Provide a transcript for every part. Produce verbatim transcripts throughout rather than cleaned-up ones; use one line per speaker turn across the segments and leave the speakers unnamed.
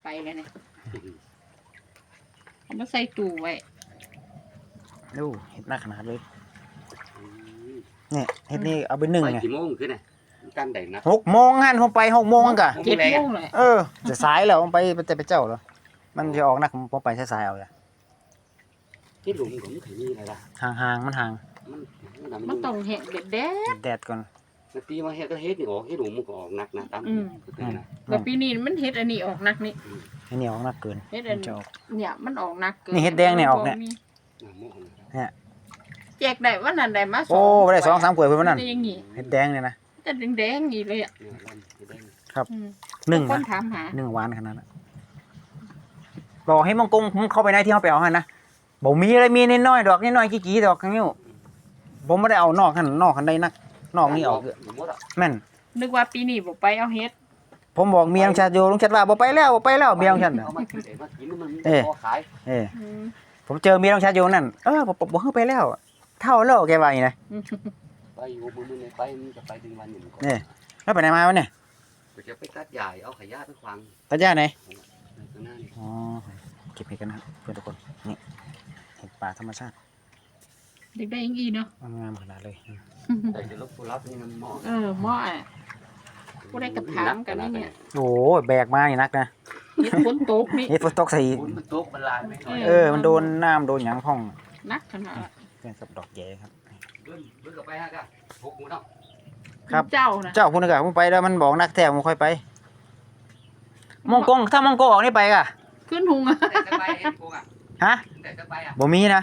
ไปเลยเนี่ยเอามาใส่ตู้ไว้
ดูเห็ดหน้าขนาดเลยเนี่ยเห็ดนี่เอาไปหนึ่งไง
กี่โมงขึ้นน่ะกันได้นะ
หกโมงหันผมไปหกโมงกะ
เจ็ดโมงเลย
เออจะสายแล้วผมไปแต่ไปเจ้าแล้วมันจะออกนักผมไปสายๆเอาเลย
ที่หลุมของมันถึงนี่อะไรล่ะ
ห่างๆมันห่าง
มัน
มันต้องเห็ดเด็ดแดด
แดดก่อน
นาทีมาเฮ็ดก็เฮ็ดนี่ออกเฮ็ดหลุมมันก็ออกนักนะตาม
แต่ปีนี้มันเห็ดอันนี้ออกนักนี่
อันนี้ออกนักเกิน
เห็ดอันเนี่ยมันออกนักเกิน
นี่เห็ดแดงเนี่ยออกเนี่ย
เนี่ย
แจกได้วันนั้นได้มาสอง
โอ้ได้สองสามขวดเพิ่นวันนั้นเห็ดแดงเนี่ยนะ
จะแดงๆนี่เลยอ่ะ
ครับหนึ่งนะหนึ่งหวานขนาดนั้นบอกให้มังกรผมเข้าไปในที่เขาไปเอาให้นะบอกมีอะไรมีน้อยๆดอกน้อยๆกี่ๆดอกนิ้วผมไม่ได้เอานอกขันนอกขันใดนักนอกนี่ออกแม่น
นึกว่าปีนี้บอกไปเอาเฮ็ด
ผมบอกเมียงชาโยลุงชัดว่าบอกไปแล้วบอกไปแล้วเมียงชัดเออเออผมเจอเมียลุงชาโยนั่นเออบอกบอกเขาไปแล้วเท่าแล้วแกว่าอย่างไร
ไปอยู่บนมือไปมันจะไปดึงวันอยู่
เนี่ยแล้วไปไหนมาวะเนี่ย
จะไปตัดใหญ่เอาขยะไปขวาง
ตัดหญ้าไหนอ๋อเก็บเห็ดกันนะครับเพื่อนทุกคนนี่เห็ดป่าธรรมชาติ
เด็กได้ยังอีเนาะ
งามขนาดเลย
แต่จะลบผู้รับนี่มันหม้อ
เออหม้ออ่ะผู้ได้กระถางกันนี่เนี่ย
โอ้แบกมาอย่างนักนะ
นี่ฝนตกนี่
นี่ฝนตกใส่
มันตกมันลายไม่
เออมันโดนน้ำโดนหยางพ่อง
นักขนาด
เพื่อนกับดอกแย่ครับ
เบิ้ลเบิ้ลกับไปฮะกันพกมือเนาะ
ครับ
เจ้านะ
เจ้าคุณกะผมไปแล้วมันบอกนักแท้ผมค่อยไปมองกงถ้ามองกงออกนี่ไปกะ
ขึ้นหุงอ่ะ
ฮะบ่มีนะ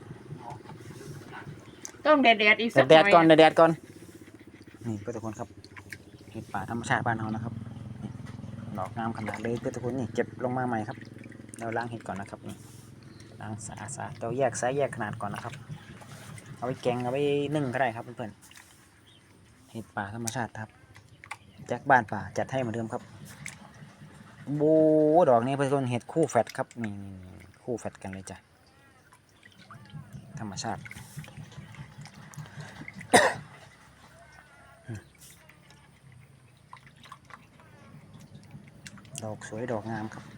ต้องแดดแดดอีกสัก
แดดก่อนแดดก่อนนี่เพื่อนทุกคนครับเห็ดป่าธรรมชาติบ้านเรานะครับดอกงามขนาดเลยเพื่อนทุกคนนี่เก็บลงมาใหม่ครับเราล้างเห็ดก่อนนะครับนี่ล้างสะอาดสะอาดเราแยกไซส์แยกขนาดก่อนนะครับเอาไว้แกงเอาไว้นึ่งก็ได้ครับเพื่อนๆเห็ดป่าธรรมชาติครับจากบ้านป่าจัดให้เหมือนเดิมครับโบดอกนี้เป็นต้นเห็ดคู่แฟดครับนี่คู่แฟดกันเลยจ้ะธรรมชาติดอกสวยดอกงามครับ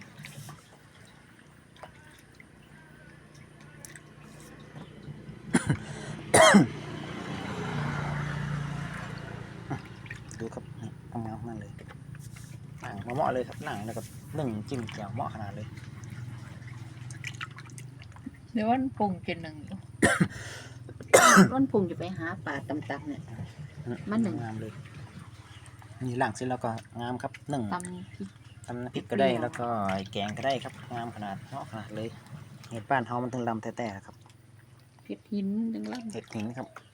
ดูครับงามมากเลยหนังมาเหมาะเลยครับหนังแล้วก็นึ่งจิ้มแจ่วเหมาะขนาดเลย
เดี๋ยววันปุ่งจะหนึ่งวันปุ่งจะไปหาป่าต่ำๆเนี่ยมันหนึ่ง
งามเลยนี่หลังเสร็จแล้วก็งามครับหนึ่ง
ตำพริก
ตำน้ำพริกก็ได้แล้วก็แกงก็ได้ครับงามขนาดเหมาะขนาดเลยเห็ดบ้านเฮามันถึงลำแท้ๆครับ
เห็ดหินจังเลย
เห็ดหินครับ